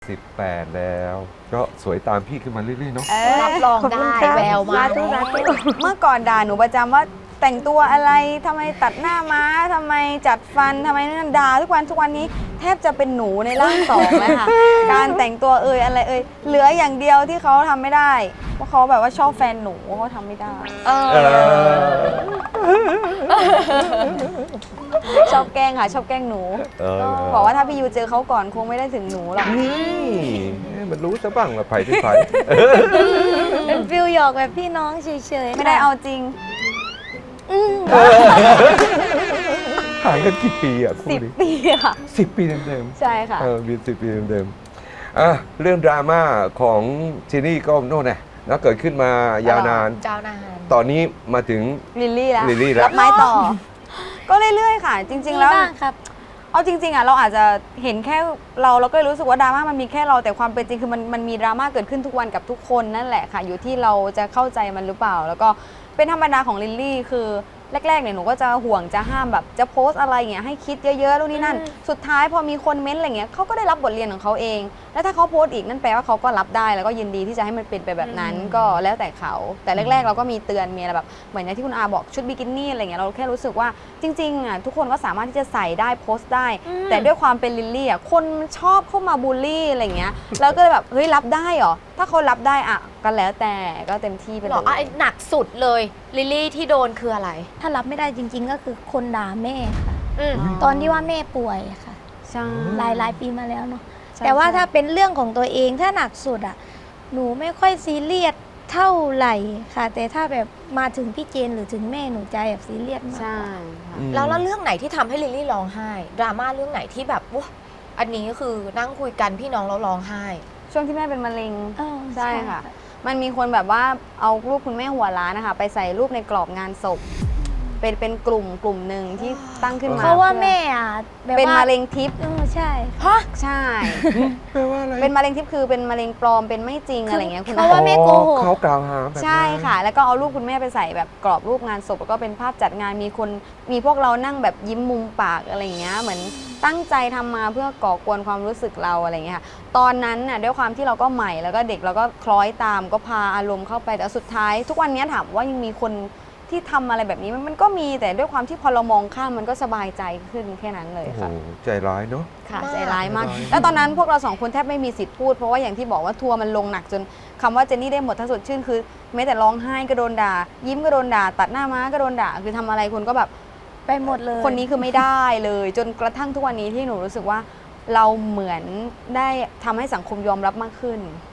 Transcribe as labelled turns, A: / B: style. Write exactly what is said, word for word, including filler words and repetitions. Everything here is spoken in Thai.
A: สิบแปดแล้วก็สวยตามพี่ขึ้นมาเรื่อยๆเนาะ
B: รับรองได้แววมา
C: เมื่อก่อนด่าหนูประจำว่าแต่งตัวอะไรทำไมตัดหน้าม้าทำไมจัดฟันทำไมนั่นด่าทุกวันทุกวันนี้แทบจะเป็นหนูในร่างสองเลยค่ะ การแต่งตัวเอ่ยอะไรเอ่ยเหลืออย่างเดียวที่เขาทำไม่ได้เพราะเขาแบบว่าชอบแฟนหนูเขาทำไม่ได้
B: เอ
A: เอ
B: อ
A: อ
C: ชอบแกล้งค่ะชอบแกล้งหนู
A: เออ
C: บอกว่าถ้าพี่ยูเจอเขาก่อนคงไม่ได้ถึงหนูหรอก
A: นี่มันรู้ซะบ้างว่าไผ่ที่ไผ่
D: เป็นฟิลหยอกแบบพี่น้องเฉยๆ
C: ไม่ได้เอาจริง
A: ห่างกันกี่ปีอ่ะคู่
C: สิบ
A: นี้
C: ปีค่ะ
A: สิบปีเดิม
C: ใช่ค่ะ
A: ๆเออมีสิบปีเดิมๆอ่ะเรื่องดราม่าของจีนี่ก็โน่นไงแล้วเกิดขึ้นมายาวนาน
B: เจ้านาน
A: ตอนนี้มาถึง
C: ลิลลี่แล้ว
A: ลิลลี่แล้ว
C: รับไม้ต่อ ก็เรื่อยๆค่ะ จริง ๆ แล้ว
D: มีบ้างครับ
C: เอาจริงๆอ่ะเราอาจจะเห็นแค่เราเราก็เลยรู้สึกว่าดราม่ามันมีแค่เราแต่ความเป็นจริงคือมันมันมีดราม่าเกิดขึ้นทุกวันกับทุกคนนั่นแหละค่ะ อยู่ที่เราจะเข้าใจมันหรือเปล่า แล้วก็เป็นธรรมดาของลิลลี่คือแรกๆเนี่ยหนูก็จะห่วงจะห้ามแบบจะโพสต์อะไรเงี้ยให้คิดเยอะๆนู่นนี่นั่น สุดท้ายพอมีคนเม้นต์อะไรเงี้ยเขาก็ได้รับบทเรียนของเขาเอง แล้วถ้าเขาโพสต์อีกนั่นแปลว่าเขาก็รับได้แล้วก็ยินดีที่จะให้มันเป็นไปแบบนั้นก็แล้วแต่เขาแต่แรกๆเราก็มีเตือนมีอะไรแบบเหมือนอย่างที่คุณอาบอกชุดบิกินี่อะไรเงี้ยเราแค่รู้สึกว่าจริงๆอ่ะทุกคนก็สามารถที่จะใส่ได้โพสต์ได้ แต่ด้วยความเป็นลิลลี่อ่ะคนชอบเข้ามาบูลลี่อะไรเงี้ยแล้วก็เลยแบบเฮ้ยรับได้เหรอถ้าเขารับได้อ่ะก็แล้วแต่ก็เต็มที่ไป
B: ห
C: เล
B: รออ่ะ
C: ย
B: หนักสุดเลยลิลลี่ที่โดนคืออะไร
D: ถ้ารับไม่ได้จริง ๆ ก็คือคนด่าแม่ค่ะ
B: อืม
D: ตอนที่ว่าแม่ป่วยค่ะ
C: ใช่
D: หลายหลายปีมาแล้วเนาะ
C: ใช่
D: แต่ว่า
C: ใช่
D: ถ้าเป็นเรื่องของตัวเองถ้าหนักสุดอ่ะ หนูไม่ค่อยซีเรียสเท่าไหร่ค่ะ แต่ถ้าแบบมาถึงพี่เจนหรือถึงแม่หนูใจแบบซีเรียสมาก
C: ใช่
D: กว่า
C: ค่ะ
A: อืม
B: แล้วแล้วเรื่องไหนที่ทำให้ลิลลี่ร้องไห้ดราม่าเรื่องไหนที่แบบว้าอันนี้ก็คือนั่งคุยกันพี่น้องแล้วร้องไห้
C: ช่วงที่แม่เป็นมะเร็ง
D: เออ
C: ใช่ค่ะ มันมีคนแบบว่าเอารูปคุณแม่หัวล้านนะคะไปใส่รูปในกรอบงานศพ เป็นเป็นกลุ่มกลุ่มหนึ่งที่ตั้งขึ้นมา
D: เพราะว่า
C: พื่อ
D: แม่อ่ะแบบ
C: เป็น
D: ว่าม
C: ะเร็งทิพย์
D: เออใช่
B: ฮะ
C: ใช่
A: แปลว่าอะไร
C: เป็นมะเร็งทิพย์คือเป็นมะเร็งปลอมเป็นไม่จริงอะไรเงี้ยคุณ
D: เพราะว่าแม่โกหก
A: เขากล่าวหาแบบนั้น
C: ใช่ค่ะ แล้วก็เอารูปคุณแม่ไปใส่แบบกรอบรูปงานศพแล้วก็เป็นภาพจัดงานมีคนมีพวกเรานั่งแบบยิ้มมุมปากอะไรเงี้ยเหมือนตั้งใจทำมาเพื่อก่อกวนความรู้สึกเราอะไรเงี้ยค่ะตอนนั้นน่ะด้วยความที่เราก็ใหม่แล้วก็เด็กเราก็คล้อยตามก็พาอารมณ์เข้าไปแต่สุดท้าย ทุกวันนี้ถามว่ายังมีคนที่ทำอะไรแบบนี้มันมันก็มีแต่ด้วยความที่พอเรามองข้ามมันก็สบายใจขึ้นแค่นั้นเลย
A: โอ้โห
C: ค่ะ
A: ใจร้ายเนาะ
C: ค่ะ
B: มาก
C: ใจร้ายมาก
A: ใจร้าย
C: แล้วตอนนั้นพวกเราสองคนแทบไม่มีสิทธิ์พูดเพราะว่าอย่างที่บอกว่าทัวร์มันลงหนักจนคำว่าเจนนี่ได้หมดถ้าสดชื่นคือแม้แต่ร้องไห้ก็โดนด่า ยิ้มก็โดนด่า ตัดหน้าม้าก็โดนด่าคือทำอะไรคนก็แบบ
D: ไปหมดเลย
C: คนนี้คือไม่ได้เลย จนกระทั่งทุกวันนี้ที่หนูรู้สึกว่าเราเหมือนได้ทำให้สังคมยอมรับมากขึ้น